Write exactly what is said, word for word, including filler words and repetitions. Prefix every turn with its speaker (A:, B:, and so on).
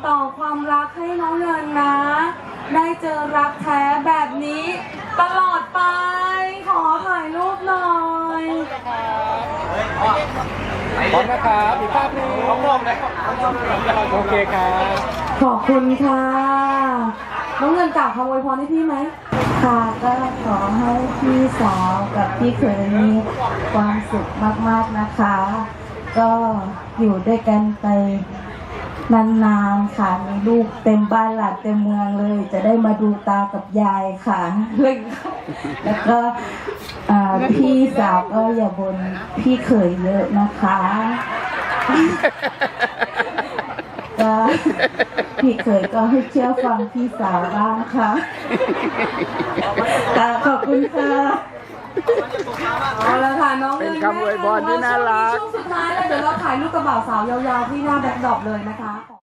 A: ต่อความรักให้น้องเงินนะ ได้เจอรักแท้แบบนี้ตลอดไปขอถ่ายรูปหน่อย
B: พร้อมนะครับอีกภาพหนึงพร้อมเลยโอเคครับ
A: ขอบคุณค่ะน้องเงินกล่าวคำอวยพรให้พี่ไหมค่ะก็ขอให้พี่สาวกับพี่เขยมีความสุขมากๆนะคะก็อยู่ด้วยกันไปนานๆค่ะมีลูกเต็มบ้านหลานเต็มเมืองเลยจะได้มาดูตากับยายค่ะแล้วก็พี่สาวก็อย่าบ่นพี่เขยเยอะนะคะก็พี่เขยก็ให้เชื่อฟังพี่สาวบ้างค่ะขอบคุณค่ะเอาละค่ะน้องเงินเป็นคำอวยพรที่น่ารักช่วงสุดท้ายแล้วเดี๋ยวเราถ่ายรูปกระบ่าวสาวยาวๆที่หน้าแบ็คดรอปเลยนะคะ